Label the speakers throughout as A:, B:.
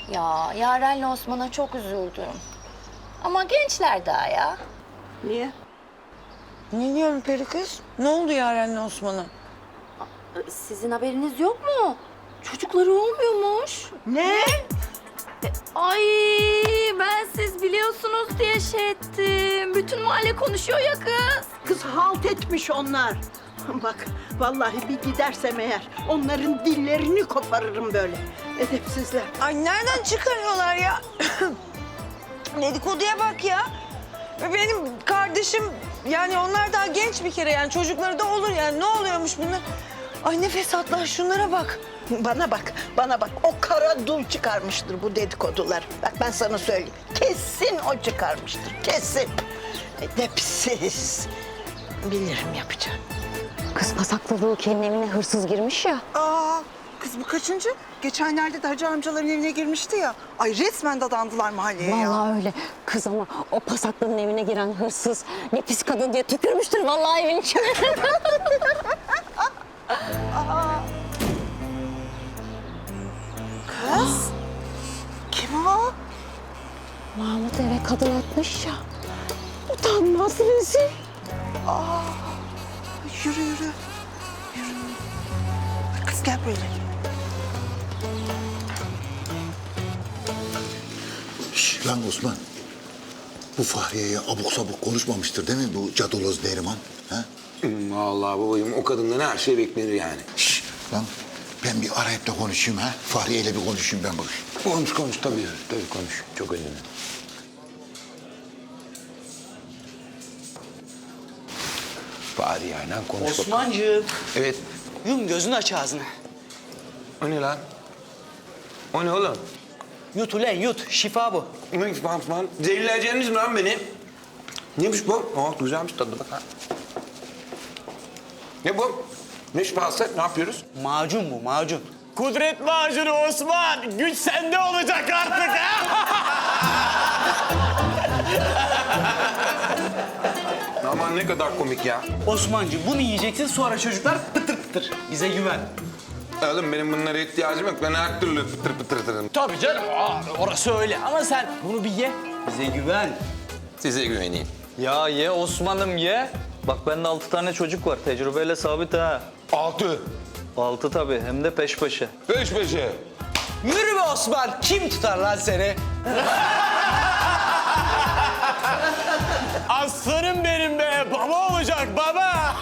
A: Ya Yaren'le Osman'a çok üzüldüm. Ama gençler daha ya.
B: Niye?
C: Ne diyorum peri kız? Ne oldu Yaren'le Osman'a?
A: Sizin haberiniz yok mu? Çocukları olmuyormuş.
B: Ne?
A: Ay ben siz biliyorsunuz diye şey ettim. Bütün mahalle konuşuyor ya kız.
B: Kız halt etmiş onlar. Bak vallahi bir gidersem eğer onların dillerini koparırım böyle. Edepsizler.
C: Ay nereden çıkarıyorlar ya? Dedikoduya bak ya. Benim kardeşim yani onlar daha genç bir kere yani çocukları da olur yani ne oluyormuş bunlar? Ay ne fesatlar şunlara bak.
B: Bana bak, bana bak. O kara dul çıkarmıştır bu dedikodular. Bak ben sana söyleyeyim. Kesin o çıkarmıştır, kesin. Edepsiz. Bilirim yapacağım.
D: Kız pasakladığı kendi evine hırsız girmiş ya.
E: Aa, kız bu kaçıncı? Geçenlerde de hacı amcaların evine girmişti ya. Ay resmen dadandılar mahalleye ya.
D: Vallahi öyle. Kız ama o pasaklının evine giren hırsız ne pis kadın diye tükürmüştür vallahi evin içine.
E: Kız, kim o?
D: Mahmut eve kadın atmış ya. Utanmaz rezil.
E: Yürü yürü. Yürü. Kız gel böyle.
F: Şş, lan Osman. Bu Fahriye'ye abuk sabuk konuşmamıştır değil mi bu cadaloz Neriman? Ha?
G: Vallahi babacığım o kadından her şey beklenir yani.
F: Şş, lan ben bir arayıp da konuşayım ha. Fahriye'yle bir konuşayım ben bakayım.
G: Konuş tabii konuş. Çok önemli. Bari yani konuş bakalım.
H: Osmancığım,
G: Evet.
H: yum gözünü aç ağzını.
G: O ne lan? O ne oğlum?
H: Yut ulan yut, şifa bu.
G: Ne falan? Zehirleyeceğiniz mi lan beni? Neymiş bu? Güzelmiş tadı bak ha. Ne bu? Ne şifası? Ne yapıyoruz?
H: Macun bu, macun.
I: Kudret macunu Osman, güç sende olacak artık ha?
G: Aman ne kadar komik ya.
H: Osmancığım bunu yiyeceksin sonra çocuklar pıtır pıtır. Bize güven.
G: Oğlum benim bunlara ihtiyacım yok. Ben her türlü pıtır pıtır pıtırım.
H: Tabii canım, orası öyle. Ama sen bunu bir ye. Bize güven.
G: Size güveneyim.
J: Ya ye Osman'ım ye. Bak bende 6 tane çocuk var. Tecrübeyle sabit ha.
G: 6.
J: 6 tabii hem de peş peşe.
G: Peş peşe.
H: Yürü be Osman, kim tutar lan seni?
I: Aslanım benim be, baba olacak baba.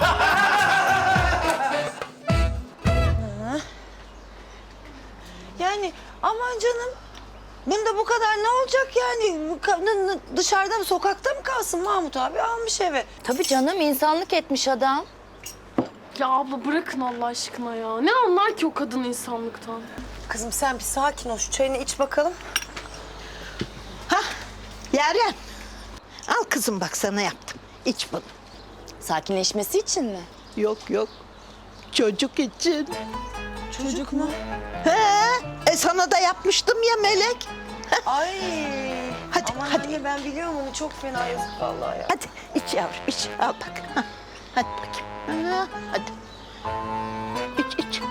C: Yani aman canım. Bunda bu kadar ne olacak yani? Bu kadın dışarıda mı sokakta mı kalsın Mahmut abi almış eve.
A: Tabii canım insanlık etmiş adam.
K: Ya abla bırakın Allah aşkına ya. Ne anlar ki o kadın insanlıktan?
C: Kızım sen bir sakin ol şu çayını iç bakalım.
B: Hah, Yaren. Al kızım bak sana yaptım. İç bunu.
A: Sakinleşmesi için mi?
B: Yok yok. Çocuk için.
C: Çocuk mu?
B: He, sana da yapmıştım ya Melek.
C: Ay.
B: Hadi,
C: Aman
B: hadi.
C: anne ben biliyorum onu çok fena yazık vallahi ya.
B: Hadi iç yavrum iç. Al bak. Hah, hadi bakayım. Ha, hadi. İç.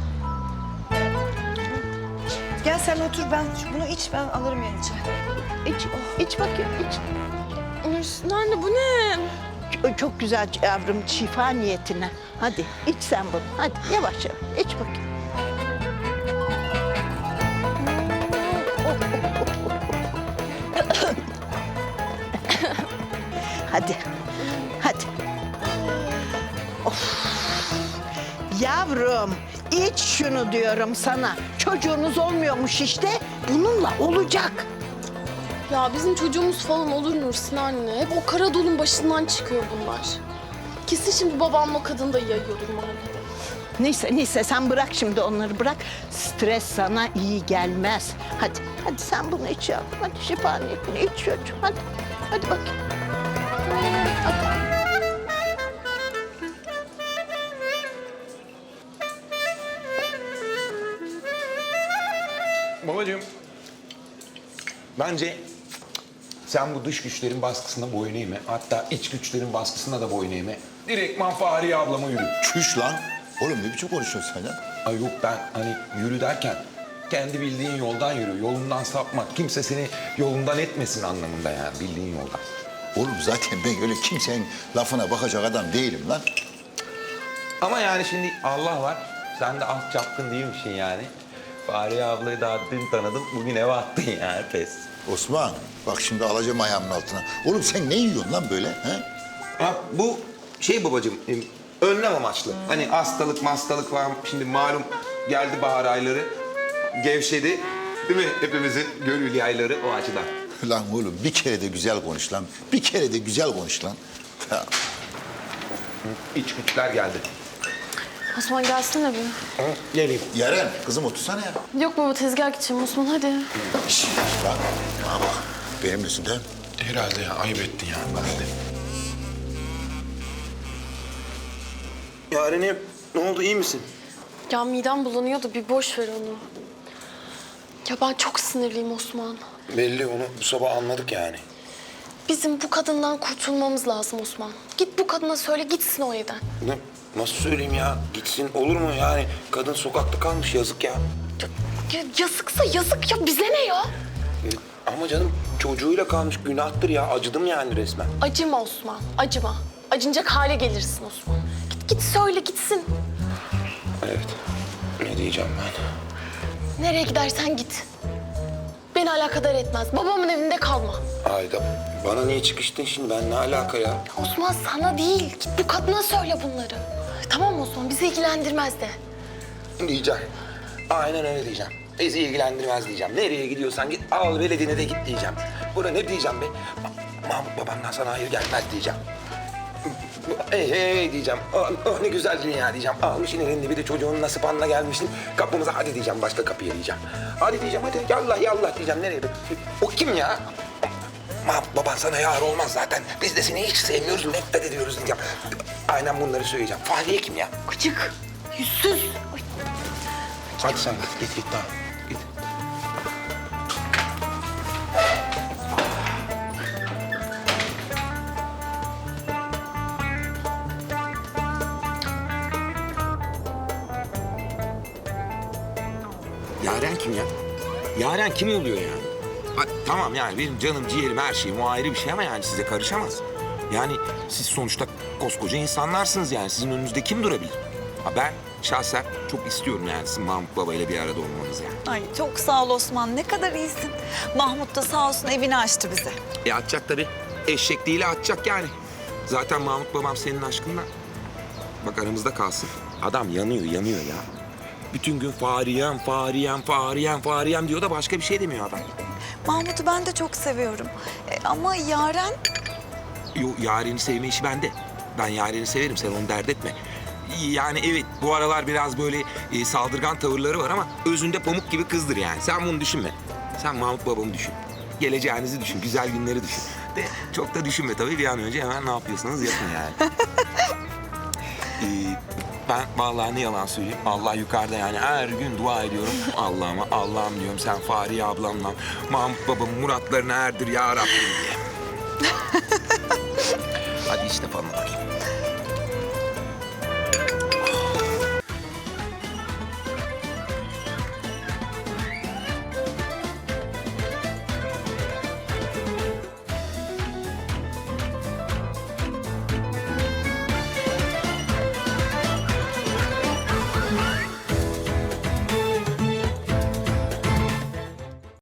C: Gel sen otur ben bunu iç ben alırım yanı çay.
B: İç bakayım iç.
K: Ay, anne bu ne?
B: Çok güzel yavrum şifa niyetine. Hadi iç sen bunu. Hadi yavaş yavaş iç bakayım. Hadi. Of. Yavrum iç şunu diyorum sana. Çocuğunuz olmuyormuş işte. Bununla olacak.
K: Ya bizim çocuğumuz falan olur Nursin anne. Hep o kara dolun başından çıkıyor bunlar. Kesin şimdi babamla o kadın da yayıyordur mahallede.
B: Neyse sen bırak şimdi onları bırak. Stres sana iyi gelmez. Hadi sen bunu iç yavrum. Hadi şifa niyetine iç çocuğum. Hadi bakayım.
G: Babacığım, bence sen bu dış güçlerin baskısına boyun eğme. Hatta iç güçlerin baskısına da boyun eğme. Direktman Fahriye ablama yürü.
F: Çüş lan. Oğlum ne biçim konuşuyorsun sen ya?
G: Ay yok ben hani yürü derken Kendi bildiğin yoldan yürü. Yolundan sapma. Kimse seni yolundan etmesin anlamında yani bildiğin yoldan.
F: Oğlum zaten ben öyle kimsenin lafına bakacak adam değilim lan.
G: Ama yani şimdi Allah var. Sen de az çapkın değilmişsin yani. Fahriye ablayı daha dün tanıdım. Bugün eve attın yani pes.
F: Osman bak şimdi alacağım ayağımın altına. Oğlum sen ne yiyorsun lan böyle? He?
G: Ha, bu şey babacığım, önlem amaçlı. Hani hastalık var. Şimdi malum geldi bahar ayları. Gevşedi. Değil mi? Hepimizin gönül yayları o açıdan.
F: Lan oğlum bir kere de güzel konuş lan. Bir kere de güzel konuş lan. Ha.
G: İç güçler geldi.
K: Osman gelsene bir.
G: Hı, geleyim.
F: Yaren kızım otursana ya.
K: Yok baba tezgah gideceğim Osman hadi.
F: Şişt, lan bana bak. Benimlesin değil mi?
G: Herhalde ya ayıp ettin ya. Hadi.
I: Yarenim ne oldu iyi misin?
K: Ya midem bulanıyordu bir boş ver onu. Ya ben çok sinirliyim Osman.
G: Belli onu bu sabah anladık yani.
K: Bizim bu kadından kurtulmamız lazım Osman. Git bu kadına söyle gitsin o evden.
G: Ne? Nasıl söyleyeyim ya? Gitsin olur mu yani? Kadın sokakta kalmış yazık ya.
K: Yazıksa yazık ya bize ne ya?
G: Ama canım çocuğuyla kalmış günahtır ya. Acıdım yani resmen.
K: Acıma Osman acıma. Acınacak hale gelirsin Osman. Git söyle gitsin.
G: Evet. Ne diyeceğim ben?
K: Nereye gidersen git. Beni alakadar etmez. Babamın evinde kalma.
G: Ayda bana niye çıkıştın şimdi? Ben ne alaka ya?
K: Osman sana değil. Git bu kadına söyle bunları. Tamam Osman bizi ilgilendirmez de.
G: Diyeceğim. Aynen öyle diyeceğim. Bizi ilgilendirmez diyeceğim. Nereye gidiyorsan git al veledine de git diyeceğim. Buna ne diyeceğim be? Mahmut babamdan sana hayır gelmez diyeceğim. Hey diyeceğim. Oh, ne güzel dünya diyeceğim. Almışsın elinde bir de çocuğun nasip anına gelmişsin. Kapımıza hadi diyeceğim başka kapıya diyeceğim. Hadi diyeceğim hadi yallah yallah diyeceğim. Nereye? O kim ya? Mahmut baban sana yar olmaz zaten. Biz de seni hiç sevmiyoruz, nefret ediyoruz diyeceğim. Aynen bunları söyleyeceğim. Fahriye kim ya?
K: Gıcık, yüzsüz. Ay.
G: Hadi sen git tamam. Git. Yaren kim ya? Yaren kim oluyor yani? Ha, tamam yani benim canım, ciğerim, her şeyim o ayrı bir şey ama yani size karışamaz. Yani siz sonuçta koskoca insanlarsınız yani. Sizin önünüzde kim durabilir? Ha, ben şahsen çok istiyorum yani sizin Mahmut Baba ile bir arada olmanızı yani.
C: Ay çok sağ ol Osman. Ne kadar iyisin. Mahmut da sağ olsun evini açtı bize.
G: Atacak tabii. Eşekliğiyle atacak yani. Zaten Mahmut babam senin aşkından. Bak aramızda kalsın. Adam yanıyor ya. Bütün gün Fariyem diyor da başka bir şey demiyor adam.
C: Mahmut'u ben de çok seviyorum. Ama Yaren...
G: Yo, Yaren'i sevme işi bende. Ben Yaren'i severim, sen onu dert etme. Yani evet, bu aralar biraz böyle saldırgan tavırları var ama özünde pamuk gibi kızdır yani. Sen bunu düşünme. Sen Mahmut babamı düşün. Geleceğinizi düşün, güzel günleri düşün. De çok da düşünme tabii, bir an önce hemen ne yapıyorsanız yapın yani. Ben vallahi ne yalan söyleyeyim, Allah yukarıda yani her gün dua ediyorum. Allah'ım diyorum sen Fahriye ablamla Mahmut babamın muratlarına erdir ya Rabbim diye. Hadi işte falan bakayım.